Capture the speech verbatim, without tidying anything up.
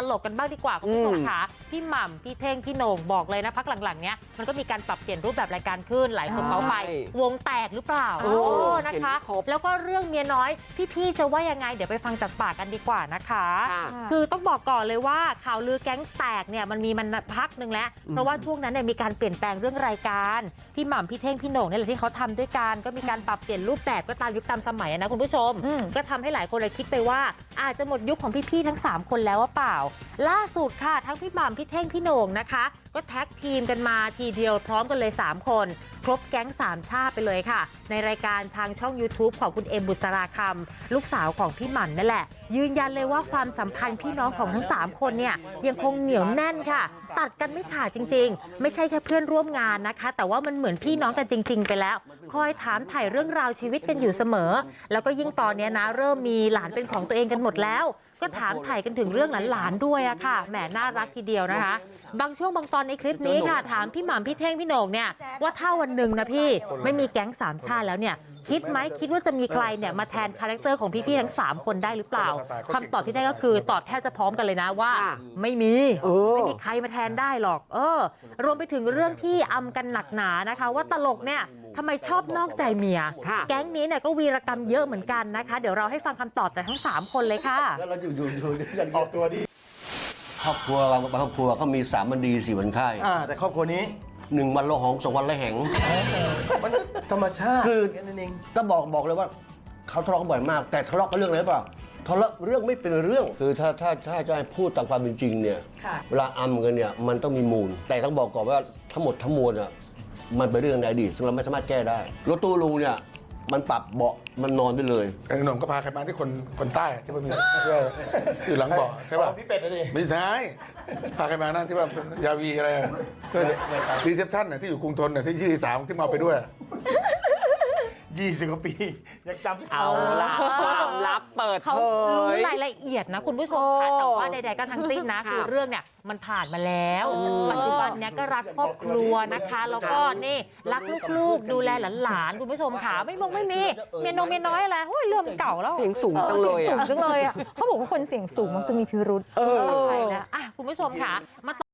ลกกันบ้างดีกว่าคุณผู้ชมค่ะพี่หม่ำพี่เท่งพี่โหน่งบอกเลยนะพักหลังๆเนี้ยมันก็มีการปรับเปลี่ยนรูปแบบรายการขึ้นหลายคนเขาไปวงแตกหรือเปล่าโอ้นะคะแล้วก็เรื่องเมียน้อยพี่ๆจะว่ายังไงเดี๋ยวไปฟังจากปากกันดีกว่านะคะคือต้องบอกก่อนเลยว่าข่าวลือแก๊งแตกเนี่ยมันมีมันพักนึงแล้วเพราะว่าช่วงนั้นเนี่ยมีการเปลี่ยนแปลงเรื่องรายการพี่หม่ำพี่เท่งพี่โหน่งนี่แหละที่เขาทำด้วยกันก็มีการปรับเปลี่ยนรูปแบบก็ตามยุคตามสมัยนะคุณผู้ชมก็ทำให้หลายคนเลยคิดไปว่าอาจจะหมดยุคของพี่ๆทั้งสามคนแล้วว่าเปล่าล่าสุดค่ะทั้งพี่หม่ำพี่เท่งพี่โหน่งนะคะก็แท็กทีมกันมาทีเดียวพร้อมกันเลยสามคนครบแก๊งสามชาติไปเลยค่ะในรายการทางช่อง ยูทูบ ของคุณเอ็มบุษราคำลูกสาวของพี่หม่ำนั่นแหละยืนยันเลยว่าความสัมพันธ์พี่น้องของทั้งสามคนเนี่ยยังคงเหนียวแน่นค่ะตัดกันไม่ขาดจริงๆไม่ใช่แค่เพื่อนร่วมงานนะคะแต่ว่ามันเหมือนพี่น้องกันจริงๆไปแล้วคอยถามถ่ายเรื่องราวชีวิตกันอยู่เสมอแล้วก็ยิ่งตอนนี้นะเริ่มมีหลานเป็นของตัวเองกันหมดแล้วก็ถามถ่ายกันถึงเรื่องหลานๆด้วยอะค่ะแหมน่ารักทีเดียวนะคะบางช่วงบางตอนในคลิปนี้ค่ะถามพี่หม่ำพี่เท่งพี่โหน่งเนี่ยว่าถ้าวันหนึ่งนะพี่ไม่มีแก๊งสามชาติแล้วเนี่ยคิดไหมคิดว่าจะมีใครเนี่ยมาแทนคาแรคเตอร์ของพี่ๆทั้งสามคนได้หรือเปล่าคำตอบที่ได้ก็คือตอบแทบจะพร้อมกันเลยนะว่าไม่มีไม่มีใครมาแทนได้หรอกเออรวมไปถึงเรื่องที่อำกันหนักหนานะคะว่าตลกเนี่ยทำไมชอบนอกใจเมียแก๊งนี้เนี่ยก็วีรกรรมเยอะเหมือนกันนะคะเดี๋ยวเราให้ฟังคำตอบจากทั้งสามคนเลยค่ะแล้วเราอยู่อยู่อยู่อย่างออกตัวดีครอบครัวเราครอบครัวเขามีสามวันดีสี่วันไข้อ่าแต่ครอบครัวนี้หนึ่งวันละหองสองวันละแหงมันธรรมชาติคือต้องบอกบอกเลยว่าเขาทะเลาะกันบ่อยมากแต่ทะเลาะกันเรื่องอะไรเปล่าทะเลาะเรื่องไม่เป็นเรื่องคือถ้าถ้าถ้าจะให้พูดตามความเป็นจริงเนี่ยเวลาอำกันเนี่ยมันต้องมีมูลแต่ต้องบอกก่อนว่าทั้งหมดทั้งมวลอ่ะมันเป็นเรื่องในอดีตซึ่งเราไม่สามารถแก้ได้รถตู้ลุงเนี่ยมันปรับเบาะมันนอนได้เลยแต่หนุ่มก็พาใครมาที่คนคนใต้ที่มันมีอยู่หลังเบาะใช่ป่ะพี่เป็ดนะดิไม่ใช่พาใครมานั่นที่ว่ายาวีอะไรก็รีเซพชั่นน่ะที่อยู่กรุงทนน่ะที่ชื่อสามที่มาไปด้วยยี่สิบกว่าปียังจำเอาละความลับเปิดเขารู้รายละเอียดนะคุณผู้ชมค่ะแต่ว่าใดๆก็ทั้งสิ้นนะคือเรื่องเนี่ยมันผ่านมาแล้วปัจจุบันเนี้ยก็รักครอบครัวนะคะแล้วก็นี่รักลูกๆดูแลหลานๆคุณผู้ชมค่ะไม่มงไม่มีเมียนงเมียน้อยอะไรเฮ้ยเรื่องเก่าแล้วเสียงสูงจังเลยสูงจังเลยอ่ะเขาบอกว่าคนเสียงสูงมันจะมีพิรุธเออใช่แล้วอ่ะคุณผู้ชมค่ะมา